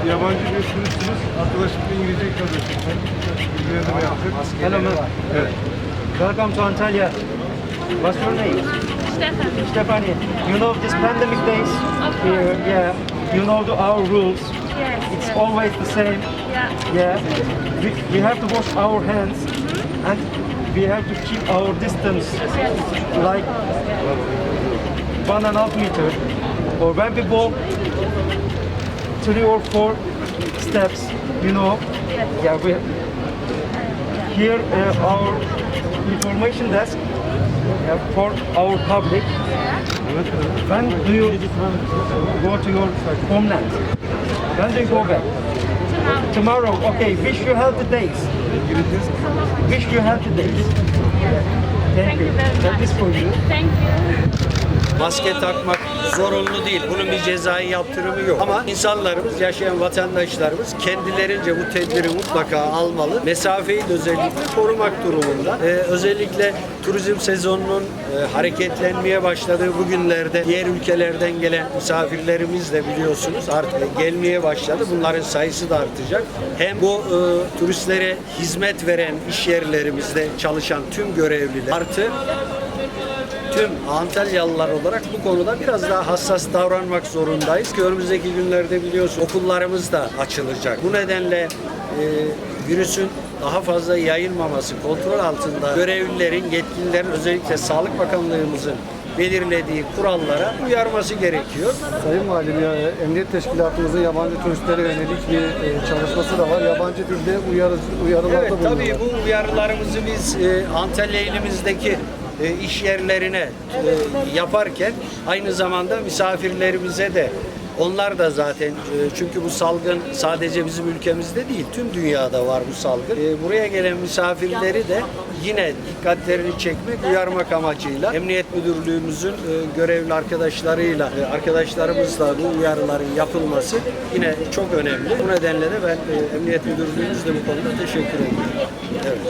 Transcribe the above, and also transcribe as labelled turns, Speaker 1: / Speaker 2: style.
Speaker 1: yabancı bir turistsiniz. Arkadaşlıkla İngilizce kardeşim. Bilgilendirme yaptık.
Speaker 2: Hello, ma'am.
Speaker 1: Evet.
Speaker 2: Welcome to Antalya. What's your name?
Speaker 3: Stephanie.
Speaker 2: Stephanie. You know this pandemic days?
Speaker 3: Of
Speaker 2: Here,
Speaker 3: course.
Speaker 2: yeah. You know our rules.
Speaker 3: Yes.
Speaker 2: It's
Speaker 3: yes.
Speaker 2: always the same.
Speaker 3: Yeah.
Speaker 2: Yeah. We have to wash our hands and we have to keep our distance like 1.5 meter. Or when we walk 3 or 4 steps, you know.
Speaker 3: Yes.
Speaker 2: Yeah, we here our information desk for our public. When do you go to your homeland? When do you go back? Tomorrow. Okay. Wish you healthy days. Wish you healthy days. Thank you.
Speaker 3: very
Speaker 2: That
Speaker 3: much.
Speaker 2: is for you.
Speaker 3: Thank you.
Speaker 4: Maske takmak zorunlu değil. Bunun bir cezai yaptırımı yok. Ama insanlarımız, yaşayan vatandaşlarımız kendilerince bu tedbiri mutlaka almalı. Mesafeyi de özellikle korumak durumunda. Özellikle turizm sezonunun hareketlenmeye başladığı bu günlerde diğer ülkelerden gelen misafirlerimiz de biliyorsunuz artık gelmeye başladı. Bunların sayısı da artacak. Hem bu turistlere hizmet veren iş yerlerimizde çalışan tüm görevliler artı tüm Antalyalılar olarak bu konuda biraz daha hassas davranmak zorundayız ki önümüzdeki günlerde biliyorsun okullarımız da açılacak. Bu nedenle virüsün daha fazla yayılmaması kontrol altında görevlilerin, yetkililerin özellikle Sağlık Bakanlığımızın belirlediği kurallara uyarması gerekiyor.
Speaker 1: Sayın Valim, ya, Emniyet Teşkilatımızın yabancı turistlere yönelik bir çalışması da var. Yabancı dilde uyarılarda
Speaker 4: Evet,
Speaker 1: bulunuyor.
Speaker 4: tabii bu uyarılarımızı biz Antalya ilimizdeki iş yerlerine yaparken aynı zamanda misafirlerimize de onlar da zaten çünkü bu salgın sadece bizim ülkemizde değil tüm dünyada var bu salgın. Buraya gelen misafirleri de yine dikkatlerini çekmek, uyarmak amacıyla Emniyet Müdürlüğümüzün görevli arkadaşlarımızla bu uyarıların yapılması yine çok önemli. Bu nedenle de ben Emniyet Müdürlüğümüzle bu konuda teşekkür ediyorum. Evet.